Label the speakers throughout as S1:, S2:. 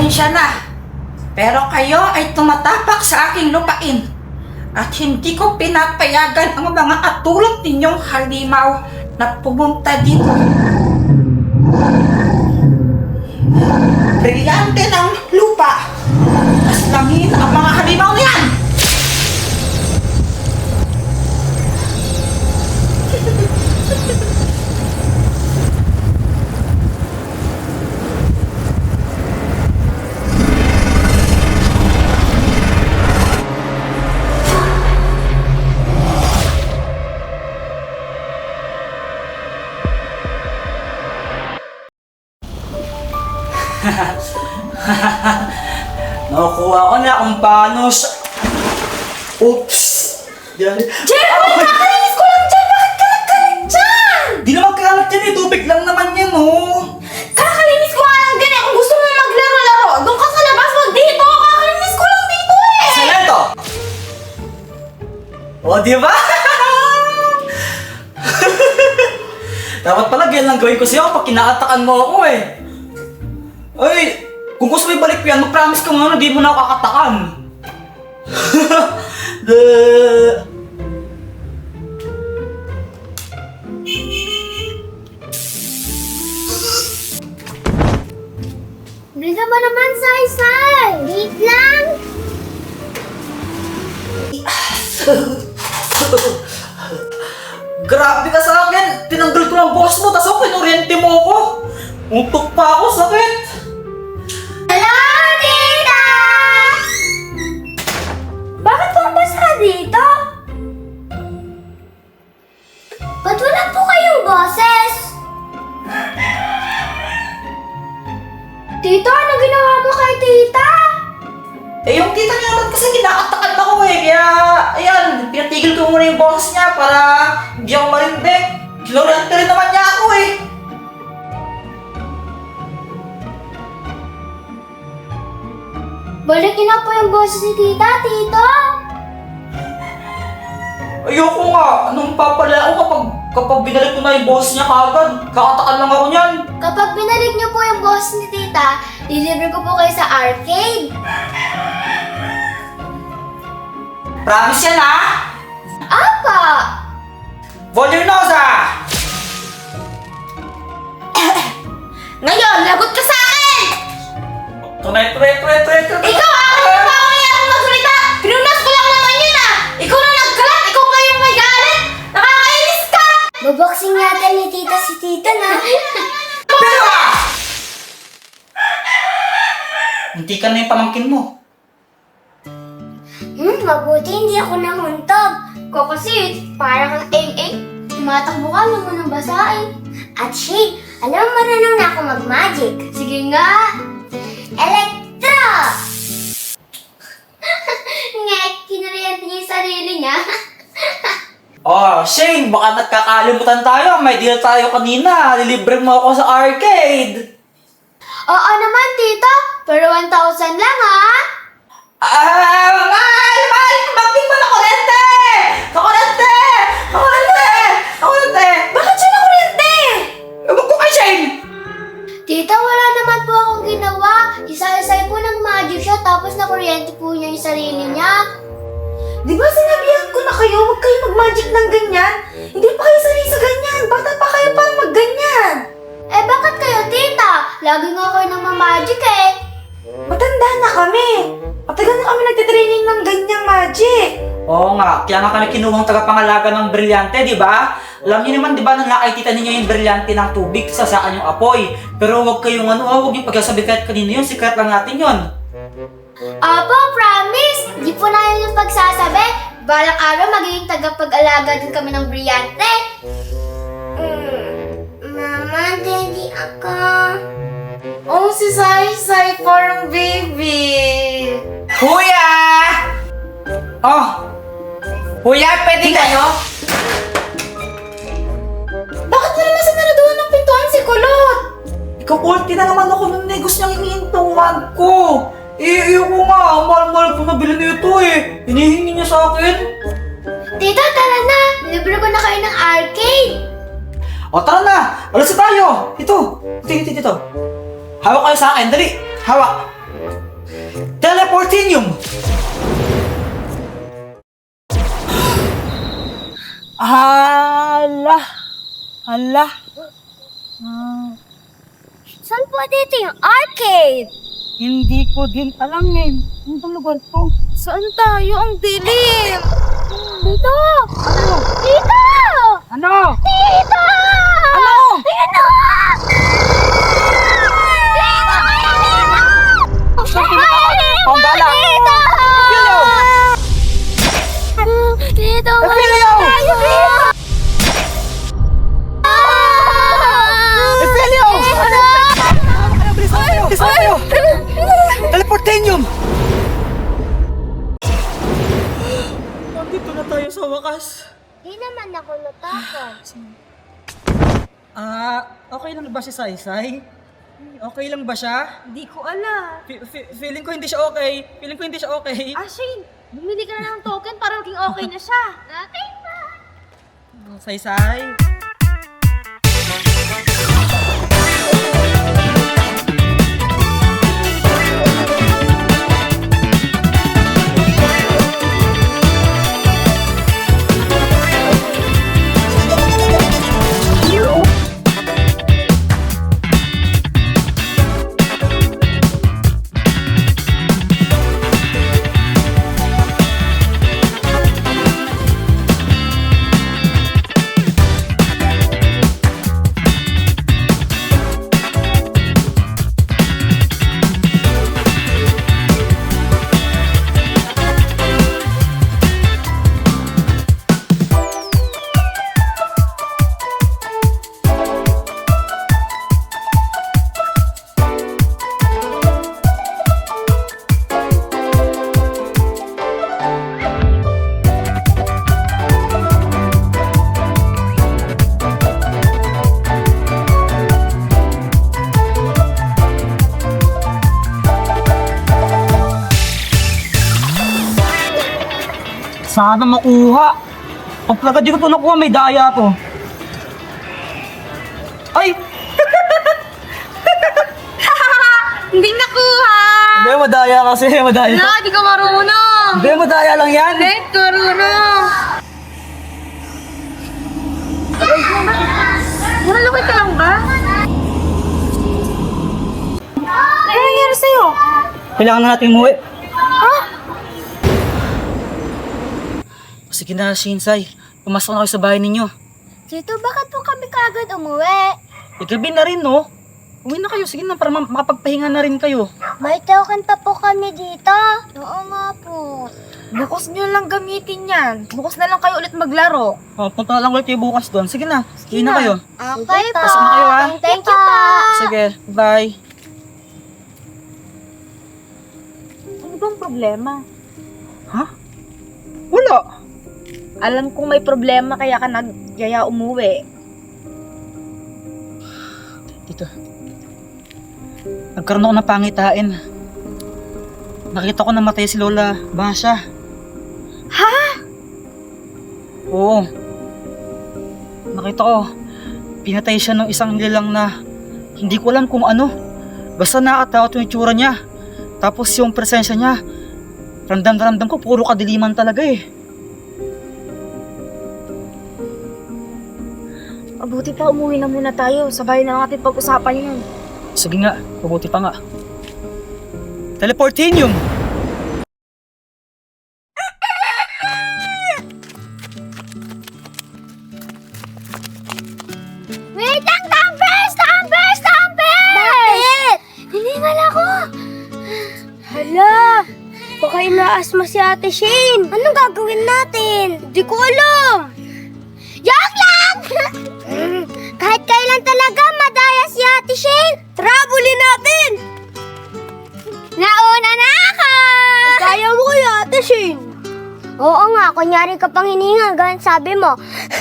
S1: Pasensya na, pero kayo ay tumatapak sa aking lupain at hindi ko pinapayagan ang mga katulad ninyong halimaw na pumunta dito. Brilyante ng lupa, aslangin ang mga halimaw niyan!
S2: Nakukuha ko na kung paano sa... Oops! Diyan.
S1: Jen! Nakakalinis ko lang dyan! Bakit ka nagkalit dyan?
S2: Di naman kalat yan eh! Tubig lang naman yan oh!
S1: Kakalinis ko nga lang ganyan. Kung gusto mo maglaro-laro, doon ka sa labas mo dito. Kakalinis ko lang dito eh.
S2: Saan to? O, di ba? Dapat pala ganyan lang gawin ko sa'yo pag kinaatakan mo ako eh. Ay, kung gusto mo ibalik ko yan, mag-promise ka nga na di mo na ako kakatakan.
S3: Bisa ba naman, Sai-Sai? Wait lang!
S2: Grabe ka sa akin! Tinanggal ko ng boss mo, tas ako kinoriente mo ako! Untok pa ako, sakit!
S3: Hello, tita! Bakit po basa dito? Ba't wala po kayong boses? Tita, ano ginawa mo kay tita?
S2: Eh, yung tita niya naman kasi kinakatakan ako eh, kaya, ayan, pinatigil ko muna yung boss niya para hindi ako marindik. Kinoriente rin naman niya ako eh!
S3: Balik niyo na po yung boses ni tita, tito!
S2: Ayoko nga, anong papala ako kapag binalik ko na yung boss niya kagad? Kakatakan lang ako niyan.
S3: Kapag binalik niyo po yung boses ni tita, deliver ko po kayo sa arcade.
S2: Promise yan ha?
S3: Apa!
S2: Voluminosa!
S1: Ngayon, lagot ka sa akin!
S2: Tunay.
S1: Ikaw, akin na ba ako niya akong magsalita? Pinunas ko lang naman yun ah! Ikaw na nagkalat! Ikaw pa yung may galit! Nakakainis ka!
S3: Baboxing yata ni tita si tita na.
S2: Pero! Hindi ka na yung pamangkin mo.
S3: Mabuti hindi ako nahuntog. Ko kasi parang kang eng-eng. Tumatakbo ka lang mo ng basain. At Shane, alam mo marunong na ako mag-magic. Sige nga. Electro! Ngek, kinariyan niya yung sarili niya.
S2: Oh, Shane, baka nagkakalimutan tayo. May deal tayo kanina. Lilibre mo ako sa arcade.
S3: Oo naman, tita. Pero 1,000 lang, ha?
S2: Mahal! Kumakting mo na kurente! Kurente!
S1: Bakit siya nakuryente?
S2: Ewan ko kay Shane!
S3: Tita, wala naman po akong ginawa. Isa-isay po nag-magic siya tapos nakuryente po niya yung sarili niya.
S1: Di ba sinabihan ko na kayo, huwag kayo mag-magic ng ganyan? Hindi pa kayo sanay sa ganyan. Bata pa kayo para mag-ganyan.
S3: Eh, bakit kayo, tita? Lagi nga kayo nang magic eh.
S1: Matanda na kami. Matagal na kami nagtitraining ng ganyang magic.
S2: Oo nga, kaya nga kami kinuhang tagapangalaga ng brilyante, di ba? Alam niyo naman, di ba, nang nakikita ninyo yung brilyante ng tubig, sasaan yung apoy. Pero huwag kayong huwag yung pagkasabi kahit kanino yun, secret lang natin yun.
S3: Opo, promise! Di po namin yung pagsasabi. Balang araw magiging tagapag-alaga din kami ng brilyante. Mama, daddy ako.
S1: Oh, si Sai-Sai, parang baby.
S2: Kuya! Oh! Kuya, pwede kayo?
S1: Bakit mo naman sinaraduhan ng pintuan si Kulot?
S2: Ikaw, ulti na naman ako ng negos niyang iniintuan ko. Eh, ko nga, mahal-mahal ko nabili nito eh. Hinihingi niya sa akin.
S3: Tita, tara na! Libre ko na kayo ng arcade.
S2: O, tara na! Alas na tayo! Ito! Ito. Hawak kayo sa akin, dali! Hawak! Teleportinium! Hala! Hala!
S3: Saan po dito yung arcade?
S1: Hindi ko din alam eh. Ang lugar to.
S4: Saan tayo? Ang dilim!
S3: Dito! Dito!
S1: Ano?
S3: Dito!
S1: Ano?
S3: Dito!
S2: Ang gala!
S3: Dito! Dito!
S2: Emilio! Emilio! Bilis na kayo! Teleportinium! Nandito na tayo sa wakas.
S3: Di naman ako natakot.
S2: Okay lang ba si Saysay? Okay lang ba siya?
S4: Hindi ko alam.
S2: Feeling ko hindi siya okay. Feeling ko hindi siya okay.
S4: Shane, bumili ka na ng token para maging okay na siya.
S3: Okay pa.
S2: Saysay? Sana makuha. Pag talaga di ko ito nakuha, may daya to. Ay!
S4: Hindi nakuha!
S2: Hindi, madaya kasi, madaya.
S4: Wala, di ka marunong!
S2: Hindi, madaya lang yan.
S4: Hindi, marunong! Nalulukay ka lang ba? Ano nangyari sa'yo?
S2: Kailangan na natin umuwi. Sige na, Shinsay. Pumasok na kayo sa bahay ninyo.
S3: Tito, bakit po kami kagad umuwi?
S2: Gabi na rin, no? Uwi na kayo. Sige na, para makapagpahinga na rin kayo.
S3: May token pa po kami dito. Oo nga po.
S4: Bukas nyo lang gamitin yan. Bukas na lang kayo ulit maglaro.
S2: Punta na lang ulit kayo bukas doon. Sige na, uwi na kayo.
S3: Okay po.
S2: Pasok na kayo, ha?
S3: Thank you po.
S2: Sige, bye.
S4: Ano bang problema?
S2: Ha? Wala.
S4: Alam kong may problema kaya ka nagyaya umuwi.
S2: Dito. Nagkaroon ako ng pangitain. Nakita ko namatay si Lola Basha.
S4: Ha?
S2: Oo. Nakita ko, pinatay siya ng isang nilalang na hindi ko alam kung ano. Basta nakakatakot yung itsura niya. Tapos yung presensya niya, ramdam na ramdam ko, puro kadiliman talaga eh.
S4: Mabuti pa umuwi na muna tayo. Sabay na natin pag-usapan yun.
S2: Sige nga, mabuti pa nga. Teleportinium!
S3: Wait lang, Tumbers! Tumbers! Tumbers! Bakit? Hiningal ako. Hala! Baka inaasma si Ate Shane. Anong gagawin natin? Hindi ko alam. Joke lang! Kahit kailan talaga madaya si Ate Shane. Trabulin natin! Nauna na ako! Kaya mo kaya, Ate Shane? Oo nga, kunyari ka pang hiningal, ganun sabi mo.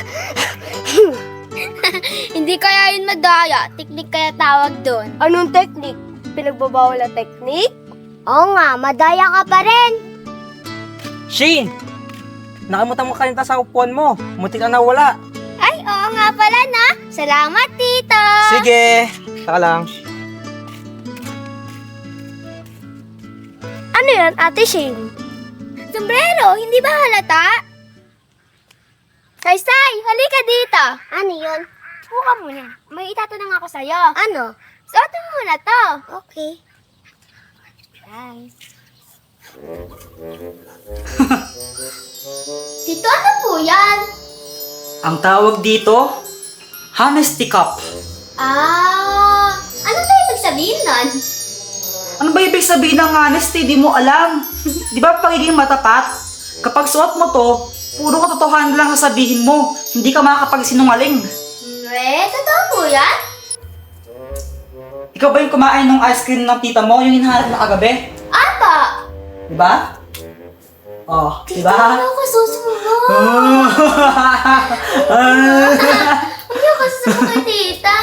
S3: Hindi kaya yun madaya. Teknik kaya tawag doon. Anong teknik? Pinagbabawal na teknik? Oo nga, madaya ka pa rin.
S5: Shane! Nakalimutan mo kanita sa upuan mo. Muntik na nawala.
S3: Ay, oo nga pala na. Salamat, Tito.
S5: Sige! Saka lang.
S3: Ano yan, Ate Shane? Sombrero, hindi ba halata? Say, halika dito. Ano yun? Buka muna. May itatanong ako sa'yo. Ano? Suotin mo na to. Okay. Nice. Tito, ano po yan?
S2: Ang tawag dito, honesty cup.
S3: Ano ba ibig sabihin nun?
S2: Ano ba ibig sabihin ng honesty? Di mo alam. Di ba pagiging matapat? Kapag suot mo to, puro katotohanan lang sasabihin mo. Hindi ka makakapagsinungaling.
S3: Totoo po yan?
S2: Ikaw ba yung kumain ng ice cream ng tita mo? Yung hinahanap na kagabi?
S3: Apa!
S2: Di ba? Oh, di
S3: Tito,
S2: ba?
S3: ayaw ka susumbong. Ayaw ka susumbong kay tita.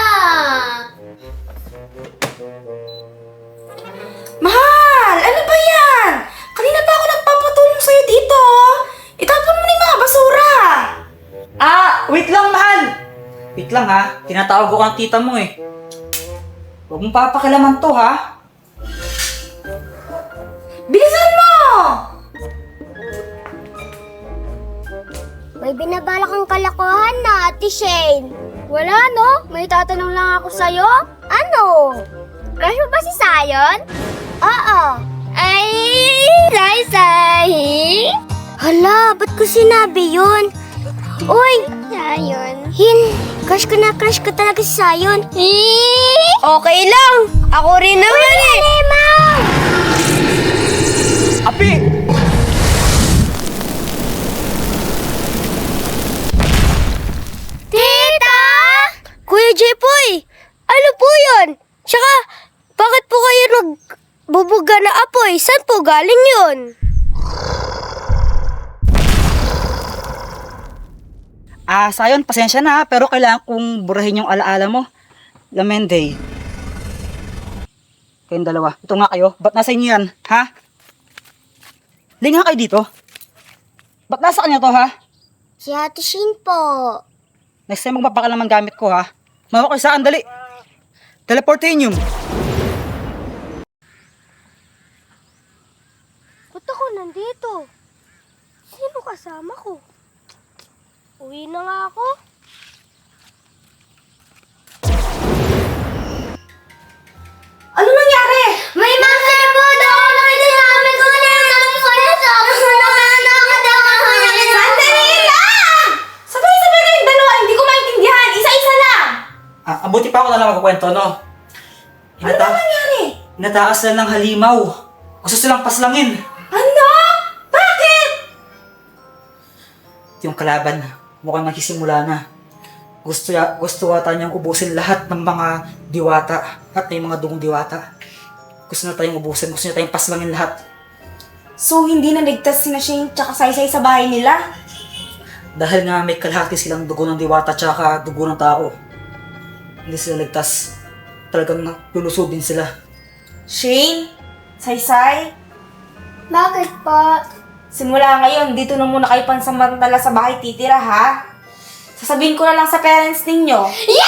S4: Mahal! Ano ba yan? Kanina pa ako nagpapatulong sa'yo dito. Itapon mo na yung mga basura.
S2: Wait lang, mahal! Wait lang ha, tinatawag ko ang tita mo eh. Huwag mong papakilaman to ha.
S4: Bilisan mo!
S3: May binabala kang kalokohan na, Ate Shane. Wala, no? May tatanong lang ako sa'yo. Ano? Crush mo ba si Sayon? Oo. Ay, Sai. Hala, ba't ko sinabi yun? Uy! Sayon. Crush ko talaga si Sayon. Okay lang. Ako rin naman
S2: Api!
S3: Tita! Kuya Jepoy, ano po yun? Tsaka, bakit po kayo nagbubuga na apoy? Saan po galing yun?
S2: Sayon, pasensya na pero kailangan kong burahin yung alaala mo. Lamende. Kayong dalawa. Ito nga kayo. Ba't nasa inyo yan? Ha? Linga kayo dito. Ba't nasa kanya to ha?
S3: Si Ate Shane po.
S2: Next time magpapakalaman gamit ko ha. Mawa ko saan, dali. Teleportanium.
S3: Ba't ako nandito? Sino kasama ko? Uwi na nga ako.
S4: Ano nangyari?
S3: May monster po daw! Nakita namin ko na yung
S4: Sandali lang! Sabay-sabay kayong dalawa. Hindi ko maintindihan. Isa-isa lang.
S2: Abuti pa ako na lang magkukwento, no?
S4: Ano ba nangyari?
S2: Inataas na ng halimaw. Gusto silang paslangin.
S4: Ano? Bakit?
S2: Yung kalaban, mukhang nagsisimula na. Gusto ata niyang ubusin lahat ng mga diwata at may mga dugong diwata. Gusto na tayong ubusin, gusto na tayong paslangin lahat.
S4: So, hindi na ligtas si Shane tsaka Saysay sa bahay nila?
S2: Dahil nga may kalahati silang dugo ng diwata tsaka dugo ng tao. Hindi sila ligtas. Talagang lulusubin sila.
S4: Shane? Saysay?
S3: Bakit po?
S4: Simula ngayon, dito na muna kayo pansamantala sa bahay titira, ha? Sasabihin ko na lang sa parents ninyo.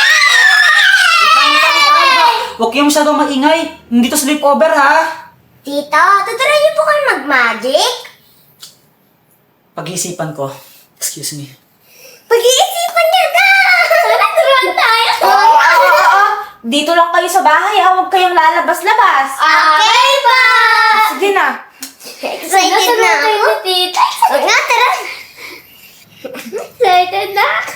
S2: Huwag kayong masyadong maingay. Hindi to sleepover ha.
S3: Tita, tuturo niyo po kayo mag-magic?
S2: Pag-iisipan ko. Excuse me.
S3: Pag-iisipan niya na! Sana turuan tayo!
S4: Oo. Dito lang kayo sa bahay, ha? Huwag kayong lalabas-labas.
S3: Okay ba?
S4: Sige na.
S3: Excited na ako. Tita. Huwag nga, tara. Excited na ako.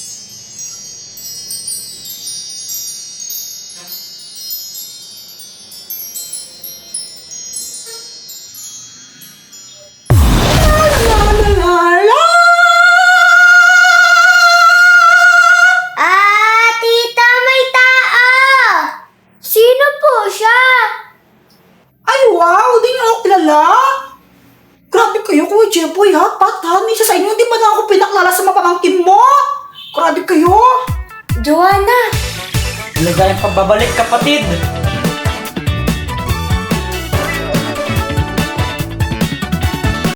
S3: Tita, may tao! Sino po siya?
S1: Ay, wow! Di niyo ako kilala? Grabe kayo, Kuya Jeboy, ha? Patan, isa sa inyo, di ba na ako pinaklala sa mga pamangkin mo? Grabe kayo!
S4: Joanna!
S2: Maligayang pagbabalik, kapatid.